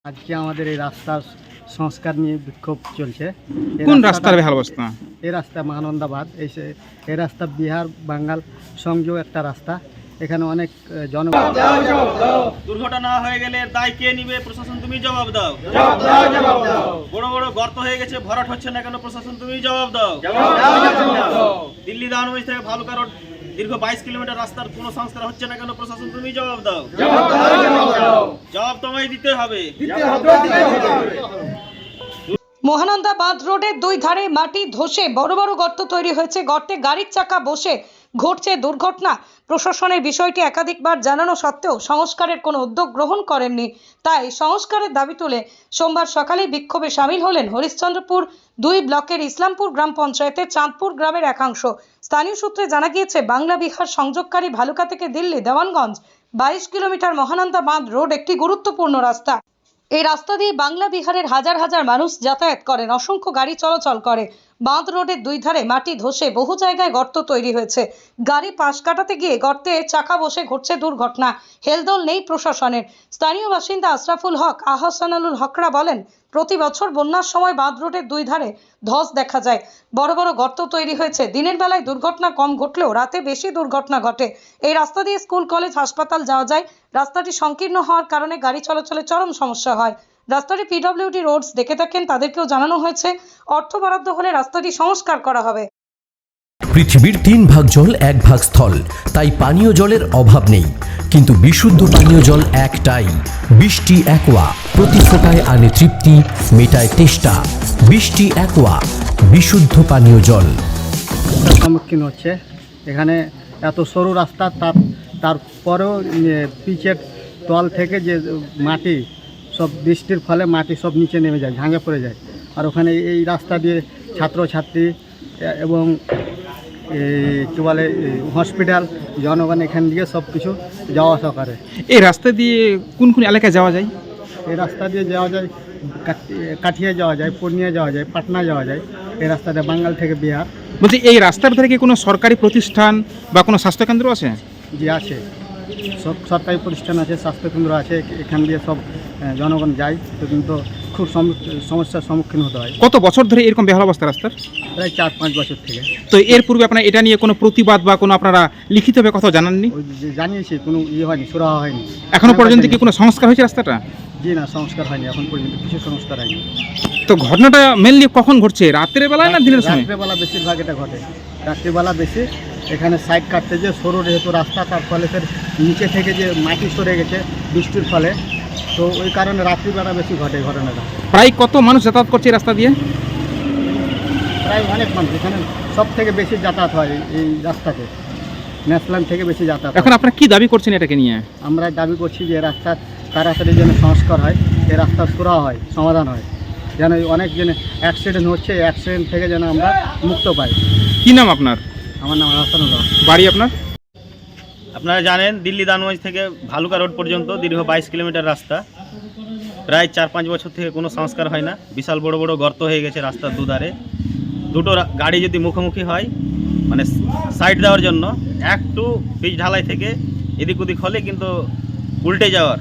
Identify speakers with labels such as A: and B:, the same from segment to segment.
A: আজকে আমাদের এই রাস্তার সংস্কার নিয়ে বিক্ষোভ চলছে।
B: কোন রাস্তার বেহাল অবস্থা?
A: এই রাস্তা মহানন্দাবাদ, এই রাস্তা বিহার বাঙ্গাল সংযোগ একটা রাস্তা। এখানে অনেক
C: দুর্ঘটনা হয়ে গেলে দায় কে নিবে? প্রশাসন, তুমি জবাব দাও। বড় বড় গর্ত হয়ে গেছে, ভরাট হচ্ছে না কেন? প্রশাসন, তুমি জবাব দাও। দিল্লি দানমঞ্জ থেকে ভালুকা রোড দীর্ঘ 22 কিলোমিটার রাস্তার কোনো সংস্কার হচ্ছে না কেন? প্রশাসন, তুমি জবাব দাও। জবাব তোমায় দিতে হবে।
D: মহানন্দা বাঁধ রোডের দুই ধারে মাটি ধসে বড় বড় গর্ত তৈরি হয়েছে। গর্তে গাড়ির চাকা বসে ঘটছে দুর্ঘটনা। প্রশাসনের বিষয়টি একাধিকবার জানানো সত্ত্বেও সংস্কারের কোনো উদ্যোগ গ্রহণ করেননি। তাই সংস্কারের দাবি তুলে সোমবার সকালে বিক্ষোভে সামিল হলেন হরিশ্চন্দ্রপুর 2 ব্লকের ইসলামপুর গ্রাম পঞ্চায়েতের চাঁদপুর গ্রামের একাংশ। স্থানীয় সূত্রে জানা গিয়েছে, বাংলা বিহার সংযোগকারী ভালুকা থেকে দিল্লি দেওয়ানগঞ্জ 22 কিলোমিটার মহানন্দা বাঁধ রোড একটি গুরুত্বপূর্ণ রাস্তা। এই রাস্তা দিয়ে বাংলা বিহারের হাজার হাজার মানুষ যাতায়াত করেন, অসংখ্য গাড়ি চলাচল করে। বাঁধ রোডের দুই ধারে মাটি ধসে বহু জায়গায় গর্ত তৈরি হয়েছে। গাড়ি পাশ কাটাতে গিয়ে গর্তে চাকা বসে ঘটছে দুর্ঘটনা। হেলদোল নেই প্রশাসনের। স্থানীয় বাসিন্দা আশরাফুল হক, আহসানুল হকরা বলেন, প্রতি বছর বন্যার সময় বাঁধ রোডের দুই ধারে ধস দেখা যায়। বড় বড় গর্ত তৈরি হয়েছে। দিনের বেলায় দুর্ঘটনা কম ঘটলেও রাতে বেশি দুর্ঘটনা ঘটে। এই রাস্তা দিয়ে স্কুল, কলেজ, হাসপাতাল যাওয়া যায়। রাস্তাটি সংকীর্ণ হওয়ার কারণে গাড়ি চলাচলে চরম সমস্যা হয়। রাস্তাটি পিডব্লিউডি রোডস দেখে থাকেন, তাদেরকেও জানানো হয়েছে অর্থ বরাদ্দ হলে রাস্তাটি সংস্কার করা হবে।
E: পৃথিবীর 3 ভাগ জল 1 ভাগ স্থল, তাই পানীয় জলের অভাব নেই। কিন্তু বিশুদ্ধ পানীয় জল একটাই, বৃষ্টি অ্যাকোয়া। প্রতি ফোঁটায় আনে তৃপ্তি, মেটায় তেষ্টা। বৃষ্টি অ্যাকোয়া, বিশুদ্ধ পানীয় জল।
A: সম্মুখীন হচ্ছে। এখানে এত সরু রাস্তা, তারপরেও পিচের তল থেকে যে মাটি সব বৃষ্টির ফলে মাটি সব নিচে নেমে যায়, ঝাঁঙে পড়ে যায়। আর ওখানে এই রাস্তা দিয়ে ছাত্রছাত্রী এবং কী বলে হসপিটাল, জনগণ এখান দিয়ে সব কিছু যাওয়া আসা করে।
B: এই রাস্তা দিয়ে কোন কোন এলাকায় যাওয়া যায়?
A: এই রাস্তা দিয়ে যাওয়া যায় কাঠিয়া যাওয়া যায়, পূর্ণিয়া যাওয়া যায়, পাটনা যাওয়া যায়। এই রাস্তাতে বাঙ্গাল থেকে বিহার।
B: বলছি, এই রাস্তার ধারে কি কোনো সরকারি প্রতিষ্ঠান বা কোনো স্বাস্থ্যকেন্দ্র আছে?
A: যে আছে, সব সরকারি প্রতিষ্ঠান আছে, স্বাস্থ্যকেন্দ্র আছে। এখান দিয়ে সব জনগণ যায়, তো কিন্তু খুব সমস্যার সম্মুখীন হতে হয়।
B: কত বছর ধরে এরকম বেহাল অবস্থা রাস্তার?
A: প্রায় 4-5 বছর থেকে।
B: তো এর পূর্বে আপনারা এটা নিয়ে কোনো প্রতিবাদ বা কোনো আপনারা লিখিতভাবে কথা জানাননি?
A: ওই যে জানিয়েছি, কোনো হয়নি, সুরাহা হয়নি।
B: এখনো পর্যন্ত কি কোনো সংস্কার হয়েছে রাস্তাটা?
A: জি না, সংস্কার হয়নি, এখন পর্যন্ত কিছু সংস্কার হয়নি।
B: তো ঘটনাটা মেনলি কখন ঘটছে, রাতের বেলায় না দিনের সময়?
A: রাত্রেবেলা বেশিরভাগ এটা ঘটে, রাত্রিবেলা বেশি। এখানে সাইড কাটতে যে সরু যেহেতু রাস্তা, তার ফলে ফের নিচে থেকে যে মাটি সরে গেছে বৃষ্টির ফলে, তো ওই কারণে রাত্রিবেলা বেশি ঘটে ঘটনাটা।
B: প্রায় কত মানুষ যাতায়াত করছে এই রাস্তা দিয়ে?
A: প্রায় অনেক মানুষ। এখানে সব থেকে বেশি যাতায়াত হয় এই রাস্তাতে, ন্যাশনাল থেকে বেশি যাতায়াত।
B: এখন আপনারা কি দাবি করছেন এটাকে নিয়ে?
A: আমরা দাবি করছি যে রাস্তার তাড়াতাড়ি যেন সংস্কার হয়, এই রাস্তার সুরাহা হয়, সমাধান হয়, যেন অনেক যেন অ্যাক্সিডেন্ট হচ্ছে, অ্যাক্সিডেন্ট থেকে যেন আমরা মুক্ত পাই।
B: কি নাম আপনার?
A: আমার নাম আহসানুল হক।
B: বাড়ি আপনার?
C: আপনারা জানেন, দিল্লি দানমঞ্জ থেকে ভালুকা রোড পর্যন্ত দীর্ঘ 22 কিলোমিটার রাস্তা। প্রায় 4-5 বছর থেকে কোনো সংস্কার হয় না। বিশাল বড় বড় গর্ত হয়ে গেছে রাস্তার দুধারে। দুটো গাড়ি যদি মুখোমুখি হয়, মানে সাইড দেওয়ার জন্য, একটু পিচ ঢালাই থেকে এদিক ওদিক হলে কিন্তু উল্টে যাওয়ার।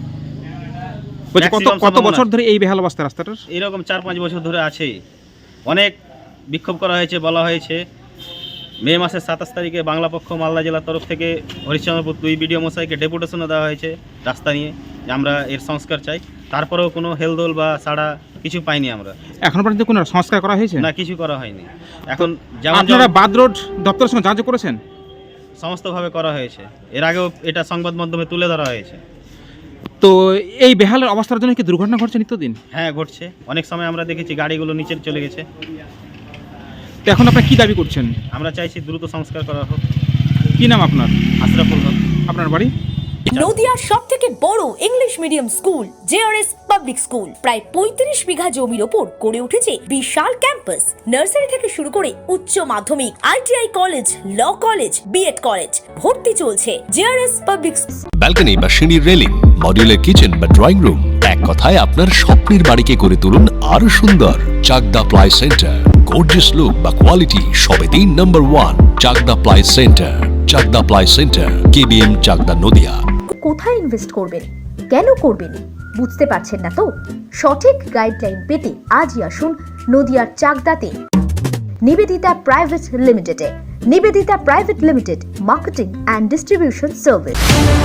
B: কত বছর ধরে এই বেহাল অবস্থা রাস্তাটার?
C: এরকম 4-5 বছর ধরে আছেই। অনেক বিক্ষোভ করা হয়েছে, বলা হয়েছে। মে মাসের 27 তারিখে বাংলা পক্ষ মালদা জেলার তরফ থেকে হরিশ্চন্দ্রপুর 2 বিডিও মশাইকে ডেপুটেশনও দেওয়া হয়েছে রাস্তা নিয়ে, যে আমরা এর সংস্কার চাই। তারপরেও কোনো হেলদোল বা সাড়া কিছু পাইনি আমরা।
B: এখন পর্যন্ত কোনো সংস্কার করা হয়েছে
C: না, কিছু করা হয়নি। এখন যেমন
B: আপনারা বাদ রোড দপ্তরের সঙ্গে যাচাই করেছেন?
C: সমস্তভাবে করা হয়েছে। এর আগেও এটা সংবাদ মাধ্যমে তুলে ধরা হয়েছে।
B: তো এই বেহালের অবস্থার জন্য কি দুর্ঘটনা ঘটছে নিত্যদিন?
C: হ্যাঁ, ঘটছে। অনেক সময় আমরা দেখেছি গাড়িগুলো নিচে চলে গেছে।
B: তো এখন আপনারা কি দাবি করছেন?
C: আমরা চাইছি দ্রুত সংস্কার করা হোক।
B: কি নাম আপনার?
C: আশরাফুল হক।
B: আপনার বাড়ি?
F: নদিয়ার সবথেকে বড় English medium school JRS public school প্রায় 35 বিঘা জমির ওপর গড়ে উঠেছে বিশাল ক্যাম্পাস। নার্সারি থেকে শুরু করে উচ্চ মাধ্যমিক, ITI college, law college, BEd college ভর্তি চলছে জেআরএস পাবলিক।
G: ব্যালকনি বা সিঁড়ির রেলিং, মডিউলার কিচেন বা ড্রয়িং রুম, এক কথায় আপনার স্বপ্নের বাড়িকে করে তুলুন আরো সুন্দর। Chakdah ply centre, gorgeous look বা কোয়ালিটি সবে 3 number 1 Chakdah ply centre. Chakdah ply centre, KBM, Chakdah, Nadia.
F: কোথায় ইনভেস্ট করবেন? কেন করবেন? বুঝতে পারছেন না তো? সঠিক গাইডলাইন পেতে আজই আসুন নদিয়ার চাকদাতে নিবেদিতা প্রাইভেট লিমিটেডে। Nivedita private limited, marketing and distribution service.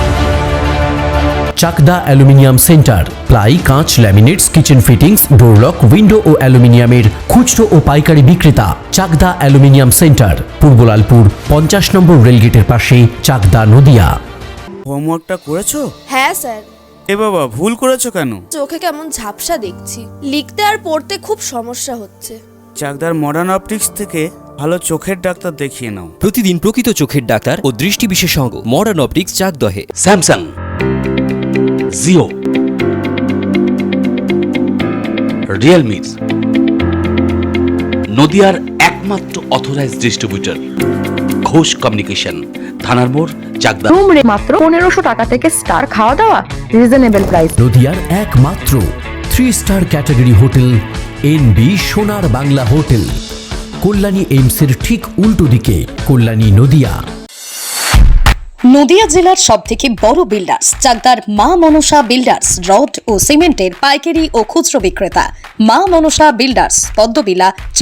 E: Chakdah aluminium centre, ply, কাঁচ, laminates, kitchen fittings, door lock, window ও অ্যালুমিনিয়ামের খুচরো ও পাইকারি বিক্রেতা। Chakdah aluminium centre, Purbalalpur 50 number রেলগেটের পাশে, চাকদা, নদিয়া।
H: হোমওয়ার্কটা করেছো?
I: হ্যাঁ স্যার।
H: এ বাবা, ভুল করেছো কেন?
I: চোখে কেমন ঝাপসা দেখছি, লিখতে আর পড়তে খুব সমস্যা হচ্ছে।
H: চাকদার মডার্ন অপটিক্স থেকে ভালো চোখের ডাক্তার দেখিয়ে নাও।
J: প্রতিদিন প্রকৃত চোখের ডাক্তার ও দৃষ্টি বিশেষজ্ঞ মডার্ন অপটিক্স চাকদহে।
K: স্যামসাং, জিও, রিয়েলমি, নদিয়ার একমাত্র অথরাইজড ডিস্ট্রিবিউটর ঘোষ কমিউনিকেশন, থানার মোড়, চাকদা।
L: রুম রে মাত্র 1500 টাকা থেকে স্টার, খাওয়া দাওয়া রিজনেবল প্রাইস।
E: নদিয়ার একমাত্র 3 স্টার ক্যাটাগরি হোটেল এনবি সোনার বাংলা হোটেল, কল্যাণী এইমসের ঠিক উল্টো দিকে, কল্যাণী, নদিয়া।
D: নদিয়া জেলার সবথেকে বড় বিল্ডার্স চাকদার মা মনসা বিল্ডার্স, রড ও সিমেন্টের পাইকারি ও খুচরো বিক্রেতা। মা মনসা বিল্ডার্স, পদ্মবিলা।